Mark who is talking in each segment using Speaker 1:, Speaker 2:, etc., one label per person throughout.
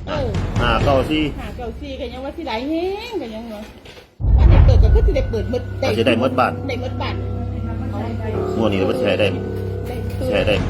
Speaker 1: 594ก็ยังว่าสิได้แฮงก็ยังว่าอันนี้เปิดก็คือสิได้เปิดหมด
Speaker 2: สิได้หมดบ้าน
Speaker 1: ได้หมดบ้าน
Speaker 2: งวดนี้บ่ใช้ได้ใช้ได้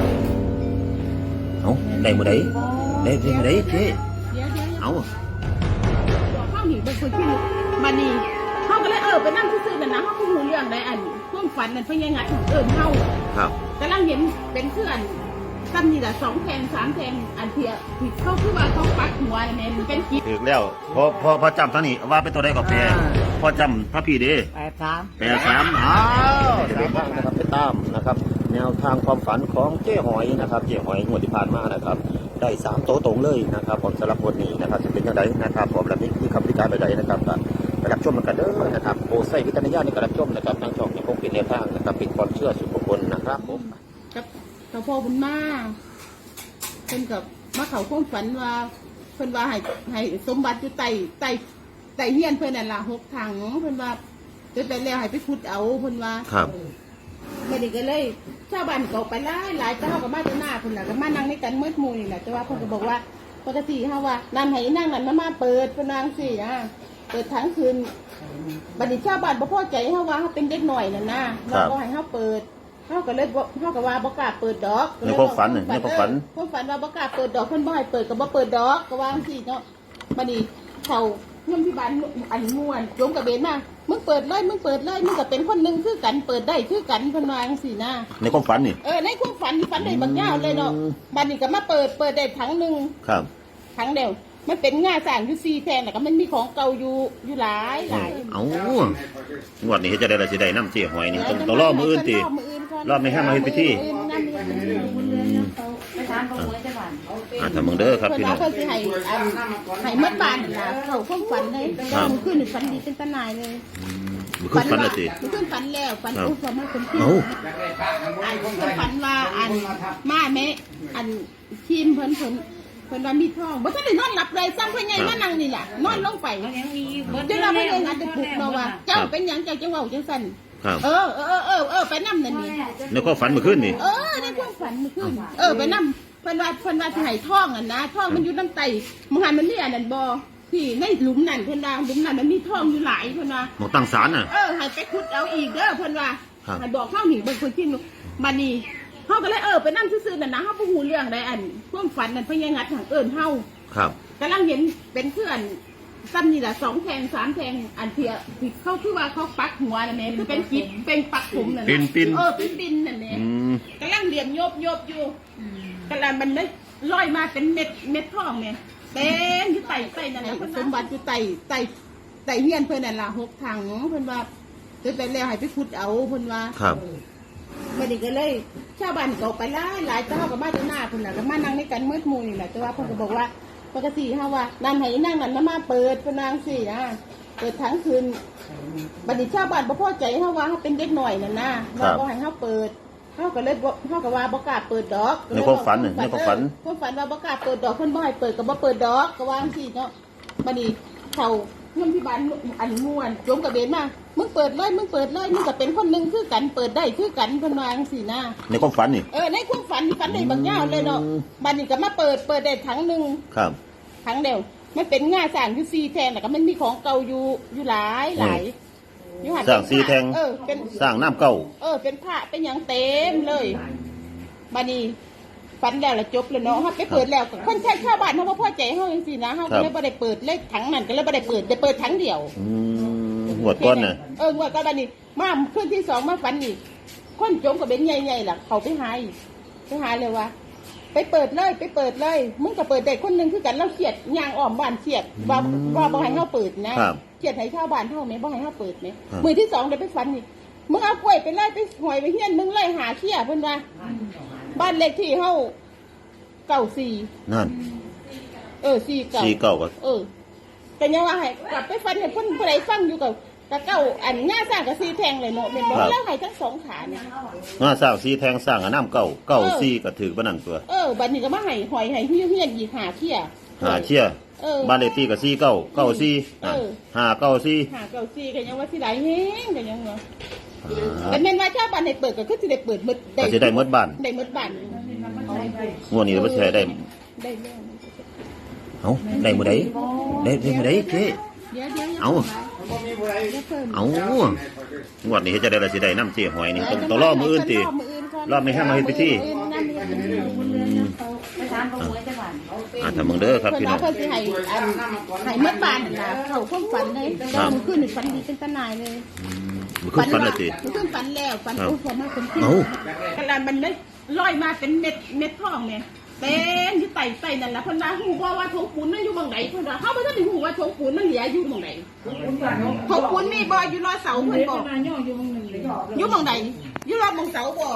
Speaker 2: เอ้าได้มื้อใดได้มื้อใดเจ๊เอ้า
Speaker 1: เข้าหนีบางคนที่มันนี่เขาก็เลยไปนั่งซื่อๆนั่นนะเขาพูดเรื่องได้อันพวกฝันนั่นเพิ่งยังไงเข้า
Speaker 2: ครับ
Speaker 1: กำลังเห็นเป็นเพื่อนตั้มนี่แหละ2 แทง 3 แทงอันเทียผิดเขาคือว่าเขาปักหัวเนี่ยเป็นกิ๊บ
Speaker 2: ถึงแล้วพอจำท่านี้ว่าเป็นตัวใดก็แปลพอจำพระพี่ดี83อ้าวจะได้ฟังนะครับไปตามนะครับแนวทางความฝันของเจ๊หอยนะครับเจ๊หอยงวดที่ผ่านมานะครับได้3โตตรงเลยนะครับผมสำหรับวันนี้นะครับจะเป็นยังไงนะครับผมและนี่คำวิจารณ์ใดๆนะครับไปรับชมกันเด้อนะครับโปรไซวิจารณญาณในการรับชมนะครับทางช่องยังคงเป็นแนวทางนะครับเป็นความเชื่อส่วนบุคคลนะครับผม
Speaker 1: กับตาพ่อบุญมาเป็นกับมาเขาความฝันว่าเพิ่นว่าให้สมบัติอยู่ใต้เฮียนเพิ่นนั่นล่ะ6 ถังเพิ่นว่าจนไปแล้วให้ไปขุดเอาเพิ่นว่า
Speaker 2: ครับ
Speaker 1: บัดนี้ก็เลยชาวบ้านก็ไปหลายเจ้าก็มาจากหน้าเพิ่นน่ะก็มานั่งในกันมืดมูนี่แหละแต่ว่าเพิ่นก็บอกว่าปกติเฮาว่านั่นให้นั่งนั่นมาเปิดเพิ่นนางสิเปิดทั้งคืนบัดนี้ชาวบ้านบ่พอใจเฮาว่าเฮาเป็นเด็กน้อยนั่นนะเราบ่ให้เฮาเปิดเฮาก็เลยเฮาก็ว่าบ่กล้าเปิดดอก
Speaker 2: ในความฝันว่า
Speaker 1: บ่กล้าเปิดดอกเพิ่นบ่ให้เปิดก็บ่เปิดดอกก็ว่าจังซี่เนาะบัดนี้เขาเงินที่บ้านอันม่วนลงกับเบนมามึงเปิดเลยมึงก็เป็นคนนึงคือกันเปิดได้คือกันเพิ่นว่าจังซี่นะ
Speaker 2: ในความฝันนี่
Speaker 1: ในความฝันได้บางอย่างเลยเนาะบัดนี้ก็มาเปิดได้ถังนึง
Speaker 2: ครับ
Speaker 1: ถังเดียวมันเป็นง่าสร้างอยู่4 แทนแล้วก็มันมีของเก่าอยู่หลาย
Speaker 2: เอ้างวดนี้จะได้ละสิได้น้ำเจี๊ยหอยนี่ต้องรอมื้ออื่นติรอบนี้ให้มาเฮ็ดพิธีถ้ามึงเด้อครับพี่น้อง
Speaker 1: เพิ่นสิให้หมดบ้านล่ะเข้าความฝันเลยขึ้นฝันดีเป็นตาหนายเลย
Speaker 2: ขึ้นฝันแล้วสิ
Speaker 1: ขึ้นฝันแล้วฝันอุ้มมาเป็นที่ฝันว่ามาแม่ทีมเพิ่นว่ามีท้องบ่ทันได้นอนหลับเลยซ้ำเพิ่นไงมานั่งนี่ล่ะนอนลงไปเดี๋ยวเราไม่ได้งานจะปลุกเนาะว่าเจ้าเป็นหยังเจ้าจังเว้าจังซั่นไปนำนั่นนี่
Speaker 2: ในความฝันเมื่อคืนนี่
Speaker 1: ในความฝันเมื่อคืนไปนำเพิ่นว่าสิให้ท้องนะท้องมันอยู่น้ำไตมหันมันนี่อันนั้นบ่ที่ในหลุมนั่นเพิ่นว่าหลุมนั่นมันมีท้องอยู่หลายเพิ่นว่า
Speaker 2: หมองตั้งศาลน่ะ
Speaker 1: ให้ไปขุดเอาอีกเด้อเพิ่นว่าให้บอกเฮานี่เบิ่งเพิ่นกินบัดนี้เฮาก็เลยไปนั่งซื่อๆนั่นนะเฮาบ่ฮู้เรื่องใดอันความฝันนั่นเพิ่นยังงัดทางเฮา
Speaker 2: ครับ
Speaker 1: กำลังเห็นเป็นเพื่อนซ้ำนี่แหละ2 แทง 3 แทงอันเทียผิดเขาคือว่าเขาปักหัวนั่นแหละคือเป็นกิ๊บเป็นปักผมนั่น
Speaker 2: ปิน
Speaker 1: ปินนั่นแหละกำลังเหลี่ยมโยบอยู่กำลังมันได้ลอยมาเป็นเม็ดทองเนี่ยเต็มอยู่ใต้นั่นแหละสมบัติอยู่ใต้เฮียนเพิ่นนั่นล่ะ6 ถังเพิ่นว่าจนไปแล้วให้ไปขุดเอาเพิ่นว่า
Speaker 2: ครับ
Speaker 1: บัดนี้ก็เลยชาวบ้านก็ไปหลายเจ้าก็มาจากหน้าเพิ่นน่ะก็มานั่งในกันมืดมูนี่แหละแต่ว่าเพิ่นก็บอกว่าปกติเฮาว่านั่นให้นั่งนั่นมาเปิดเพิ่นนางสิเปิดทั้งคืนบัดนี้ชาวบ้านบ่พอใจเฮาว่าเฮาเป็นเด็กน้อยนั่นนะเราบ่ให้เฮาเปิดเฮาก็เลยเฮาก็ว่าบ่กล้าเปิดดอก
Speaker 2: ในความฝันความฝัน
Speaker 1: ว่าบ่กล้าเปิดดอกเพิ่นบ่ให้เปิดก็บ่เปิดดอกก็ว่าจังซี่เนาะบัดนี้เขาเงินที่บ้านอันม่วนลงกับเบนมามึงเปิดเลยมึงก็เป็นคนนึงคือกันเปิดได้คือกันเพิ่นว่าจังซี่นะ
Speaker 2: ในความฝันนี่
Speaker 1: ในความฝันได้บางอย่างเลยเนาะบัดนี้ก็มาเปิดได้ถังนึง
Speaker 2: ครับ
Speaker 1: ถังเดียวมันเป็นง่าสร้างอยู่4 แทนแล้วก็มันมีของเก่าอยู่หลาย
Speaker 2: สร้าง4 แทง
Speaker 1: เป็น
Speaker 2: สร้างน้ำเก่า
Speaker 1: เป็นผ้าเป็นหยังเต็มเลยบัดนี้ฝันแล้วละจบเลยเนาะเฮาไปเปิดแล้วคนใช้ชาวบ้านเฮาบ่พอใจเฮาจังซี่นะเฮาก็เลยบ่ได้เปิดเลขถังนั้นก็เลยบ่ได้เปิดถังเดียว
Speaker 2: งวดก่อนน่ะ
Speaker 1: งวดก่อนบัดนี้มาคืนที่2มาฝันอีกคนจมก็เป็นใหญ่ๆล่ะเขาไปหาเลยว่าไปเปิดเลยมึงก็เปิดได้คนนึงคือกันเราเขียดย่างอ้อมบ้านเขียดว่าบ่ให้เฮาเปิดนะเขียดให้ชาวบ้านเฮาแม่บ่ให้เฮาเปิดแม่มื้อที่2ได้ไปฝันอีกมึงเอากล้วยไปเลยไปหอยไปเฮียนมึงเลยหาเขี้ยเพิ่นว่าบ้านเลขที่เฮา94
Speaker 2: นั่น
Speaker 1: 49
Speaker 2: ก็
Speaker 1: แต่ยังว่าให้กลับไปฝันให้เพิ่นผู้ใดฟังอยู่กับเก้าอันง่าสร้างกับ4 แทงเลยเนาะแม่นบ่แล้วให้ทั้ง2 ขาเนี่ย
Speaker 2: ง่าสร้าง4 แทงสร้างน้ำเก่า4ก็ถือบ่นั่นตัว
Speaker 1: บัดนี้ก็มาให้หอยให้เฮียนอีกหาเขี้ย
Speaker 2: บ้านเลขที่ก็4994 594
Speaker 1: ก็ยังว่าสิได้แฮงก็ยังว่าแต่แม่นว่าชาวบ้านให้เปิดก็คือสิได้เปิดหมด
Speaker 2: ได้สิได้หมดบ้าน
Speaker 1: ได้หมดบ้าน
Speaker 2: งวดนี้บ่ใช้ได้เอาได้มื้อใดได้มื้อใดเจ๊
Speaker 1: เดี๋ยว
Speaker 2: เอางวดนี้เฮ็ดจะได้ละสิได้น้ำเจ๊หอยนี่ต้องรอมื้ออื่นติรอไม่ให้มาเฮ็ดพิธีถ้ามึงเด้อครับพี่น้อง
Speaker 1: เพิ่นสิให้เมื่อบ้านน่ะเขาความฝันเลยมื้อคืนนี่ฝันดีเป็นตาหนายเลย
Speaker 2: มันขึ้นฝันละติ
Speaker 1: มันขึ้นฝันแล้วฝันโอ้พอมาเป็นขึ้นกระดานมันเลยลอยมาเป็นเม็ดทองเนี่ยเต็มที่ไต่นั่นแหละเพิ่นว่าฮู้บ่ว่าทงปูนมันอยู่บังไหนเพิ่นว่าเฮาบ่ทันได้ฮู้ว่าทงปูนมันเหลืออยู่บังไหนทงปูนมีบ่อยู่รอเสาเพิ่นบ่อยู่บังไหนอยู่รอบังเสาบ่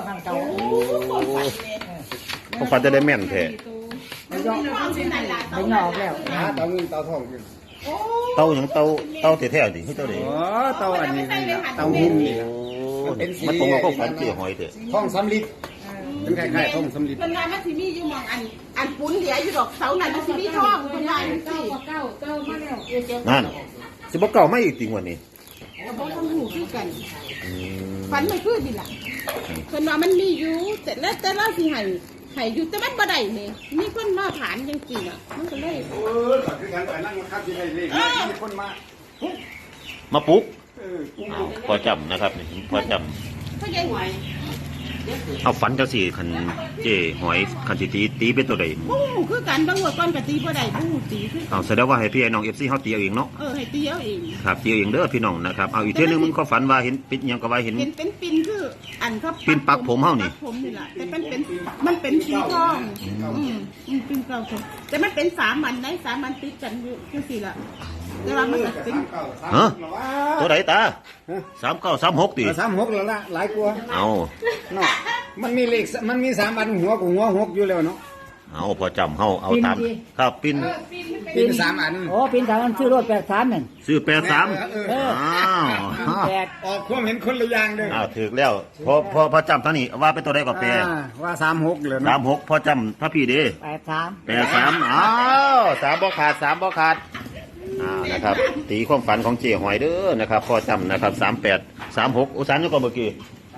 Speaker 2: ผมฝันจะได้แม่นแท้
Speaker 1: ไม่ยอม
Speaker 3: แล้วเตาเงินเตาทอง
Speaker 2: เต้าหยังเต้าแท้ๆดิเฮ็ดเต้าดิ
Speaker 3: อ๋อเตาอันนี้เตาหินนี่
Speaker 2: มันตรงกับความฝันเจ๊หอยเด้
Speaker 3: ทองสำลิดเป็นคล้ายๆทองสำลิด
Speaker 1: เพิ่นว่ามันสิมีอยู่หม่องอันปูนเหลืออยู่ดอกเสานั่นมันสิมีทองเพิ่นว่าจังซี่
Speaker 2: นั่นสิบ่เก่ามาอีกติงวันนี้
Speaker 1: บ่ต้องฮู้คือกันฝันมันคือดิล่ะเพิ่นว่ามันมีอยู่แต่เราสิให้อยู่แต่มันบ่ได้แม่มีคนมาผ่านจังซี่น่ะมันก็เลย
Speaker 3: คือการนั่งครับที่ให้เลขมีคนมา
Speaker 2: มาปลุ๊กพอจำนะครับนี่พอจ
Speaker 1: เขาใหญ่หวย
Speaker 2: ำเอาฝันจังสี่คันเจ๊หอยคันสิตีเป็นตัวใด
Speaker 1: บ่ฮู้คือกันบางหัวก้อนก็ตีบ่ได้บ่ฮู้ตีคือ
Speaker 2: เอาแสดงว่าให้พี่ไอ้น้อง FC เฮาตีเอาเองเนาะ
Speaker 1: ให้ตีเอาเอง
Speaker 2: ครับตีเอาเองเด้อพี่น้องนะครับเอาอีกเทื่อนึงมึงก็ฝันว่าเห็นปิดหยังก็ว่าเห็น
Speaker 1: เป็นปิ่นคืออันเขา
Speaker 2: ปิ่นปักผมเฮานี่
Speaker 1: ปักผมนี่ล่ะแต่มันเป็นสีทองปิ่นเก่าผมแต่มันเป็น3อันได้3อันติดกันอยู่จังซี่ล่ะแต่ว่ามันก็เป็น
Speaker 2: ฮะตัวใดตา3936ติ
Speaker 3: 36แล้วล่ะหลายกว่า
Speaker 2: เอา
Speaker 3: เนาะมันมีเลขมันมี3อันหัวกับหัว6อยู่แล้วเนาะ
Speaker 2: เอาพอจำเฮาเอาตามครับปิ่น
Speaker 3: ปีน3อัน
Speaker 4: โอ้ปีนทางนั้นชื่อรถ83นั่น
Speaker 2: ซื้อ83อ้าว
Speaker 4: 8
Speaker 3: ออกความเห็นคนละอย่างเด้อ
Speaker 2: อ้าวถูกแล้วพอจำเท่านี้ว่าเป็นตัวใดก็แปล
Speaker 3: ว่า36เลยเนาะ
Speaker 2: 36พอจำถ้าพี่เด้
Speaker 4: 83
Speaker 2: 83อ้าว3บ่ขาด3บ่ขาดนะครับตีความฝันของเจ๊หอยเด้อนะครับพอจำนะครับ38 36โอ้3อยู่ก่อนเมื่อกี้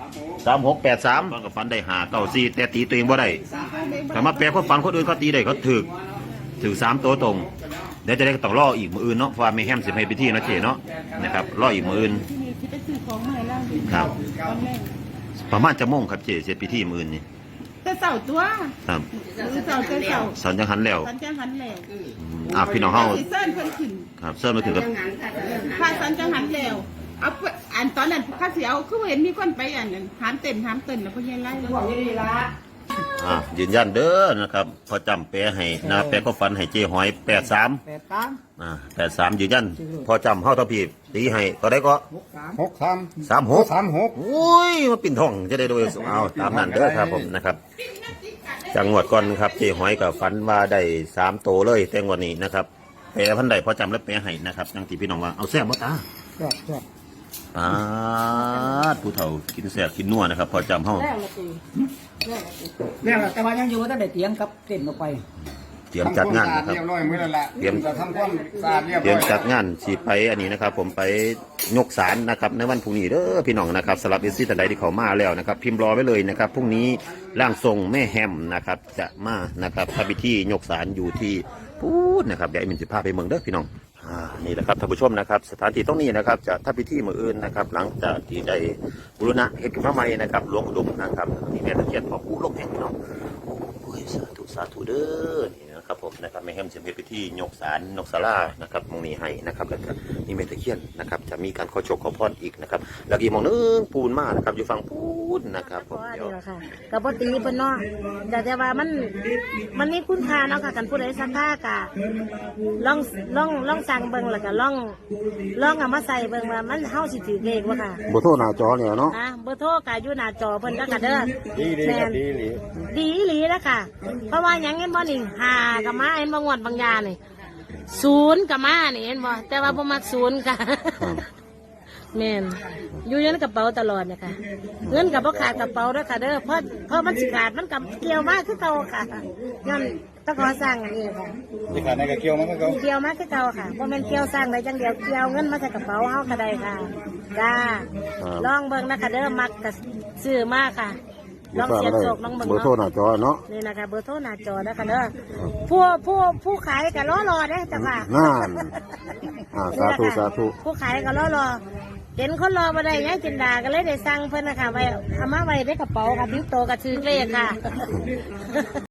Speaker 2: 3683มันก็ฝันได้5 9 4แต่ตีตัวเองบ่ได้ถ้ามาแปลความฝันคนอื่นเขาตีได้เขาถึก3ตัวตรงเดี๋ยวจะได้ต้องรออีกมื้ออื่นเนาะเพราะว่าไม่แฮมสิให้พิธีเนาะเจ๊เนาะนะครับรออีกมื้ออื่น
Speaker 1: ที่นี่ที่ไปซื้อของมาให้เราดิ
Speaker 2: ครับ
Speaker 1: ตอนแรก
Speaker 2: ประมาณจะโมงครับเจ๊เสร็จพิธีมื้ออื่นนี่
Speaker 1: แต่เสาตัว
Speaker 2: ครับ
Speaker 1: เสา
Speaker 2: สันจังหันแล้ว
Speaker 1: สันจังหันแล้ว
Speaker 2: พี่น้องเฮา
Speaker 1: สิเส้นเพิ่นขึ้น
Speaker 2: ครับเสิร์ฟมาถึงกับ
Speaker 1: พาสันจังหันแล้วเอาอันตอนนั้นข้าเสียวคือเห็นมีคนไปอันนั้นหามเต้นแล้วพ่อใหญ่ไล่
Speaker 2: ยืนยันเด้อนะครับพอจำแปลให้นะแปลก็ฝันให้เจ๊หอย83 83ยืนยันพอจำเฮาเท่าพี่ตีให้ก็ได้ก็
Speaker 3: 63
Speaker 2: 36
Speaker 3: 36
Speaker 2: โอ้ยมาปิ่นทองจะได้โดยเอาตามนั้นเด้อครับผมนะครับจังหวัดก่อนครับเจ๊หอยกับฝันว่าได้3โตเลยแต่งวันนี้นะครับแปลพันใดพอจำแล้วแปลให้นะครับจังที่พี่น้องว่าเอาแซ่บบ่ตาปาดผู้เฒ่ากินแซ่บกินนัวนะครับพอจำเฮา
Speaker 4: แล้วแต่ว่ายังอยู่ตั้งแต่เตียงกับเต้นออกไป
Speaker 2: เตรียมจัดงานนะครับ
Speaker 3: เรียบร้อยมื้อแล้วล่ะ
Speaker 2: เตรียม
Speaker 3: จะทำความสะอาดเรียบ
Speaker 2: เตรี
Speaker 3: ร้
Speaker 2: ย
Speaker 3: อ
Speaker 2: ม
Speaker 3: ย
Speaker 2: จัดงานสิไปอันนี้นะครับ ผมไปยกศาลนะครับในวันพรุ่งนี้เด้อพี่น้องนะครับสำหรับเอซี่แต่ใดที่เขามาแล้วนะครับ พิมพ์รอไว้เลยนะครับพรุ่งนี้ร่างทรงแม่แฮมนะครับจะมานะครับทำพิธียกศาลอยู่ที่พูดนะครับเดี๋ยวไอ้มินสิพาไปเมืองเด้อพี่น้องนี่แหละครับท่านผู้ชมนะครับสถานที่ตรงนี้นะครับจะทำพิธีมื้ออื่นนะครับหลังจากที่ได้บูรณะเฮ็ดขึ้นมาใหม่นะครับหลวงอุดมนะครับนี่แม่ตะเคียนพ่อปู่ลมแห่งพี่น้องโอ้ยสาธุเด้อนี่นะครับผมนะครับแม่แฮมจะมีพิธียกศาลนกศาลานะครับมองนี้ให้นะครับแล้วก็นี่แม่ตะเคียนนะครับจะมีการขอโชคขอพรอีกนะครับแล้วอีกหมองนึงปูนมานะครับอยู่ฝั่งปูนนะครับผมเดี๋ยว
Speaker 5: นี่แหละค่ะกับปตีเพิ่นเนาะแต่ว่ามันมีคุณค่าเนาะค่ะกันผู้ใดสักค่ากะลองสั่งเบิ่งแล้วก็ลองเอามาใส่เบิ่งว่ามันเฮาสิถือเลขบ่ค่ะ
Speaker 2: บ่โทรหน้าจอเนี่ยเนาะ
Speaker 5: เบอร์โทรก็อยู่หน้าจอเพิ่นก็เด้อ
Speaker 3: ดีดี
Speaker 5: แม่
Speaker 3: ครับ
Speaker 5: น
Speaker 3: ดีดี
Speaker 5: ดีอีหลีแล้วค่ะ เพราะว่าหยังเห็นบ่นี่หาก็มาเห็นบ่งวดบางยานี่0ก็มานี่เห็นบ่แต่ว่าบ่มัก0ค่ะ แม่นอยู่ในกระเป๋าตลอดเนี่ยค่ะเงินกับพ่ขาดกระเป๋าด้วยค่ะเด้อเพราะมันสิขาดมันกับเกี่ยวมากคือเก่าค่ะย้อนต้องขอสร้างอันนี้ค่ะ
Speaker 3: ที่ขาดในกระเกี่ยวมันก็
Speaker 5: เกี่ยวมากคือเก่าค่ะเพราะมันเกี่ยวสร้างได้จังเดียวเกี่ยวเงินมาใส่กระเป๋าเฮาก็ได้ค่ะจ้าลองเบิ่งนะคะเด้อมักกับซื้อมากค่ะลองเสียบโศกลองเบิ่ง
Speaker 2: เบอร์โทรห
Speaker 5: เนาะ
Speaker 2: น้าจอเนาะ
Speaker 5: นี่นะคะเบอร์โทรหน้าจอนะคะเด้อผู้ขายก็รอเด้อจ้ะค่ะ
Speaker 2: นั่นสาธุสาธุ
Speaker 5: ผู้ขายก็รอเห็นคนรอมาได้ยังจินดาก็เลยได้สั่งเพิ่นนะคะไว้เอามาไว้ในกระเป๋าค่ะทิ้งโตกับชื่อเลขค่ะ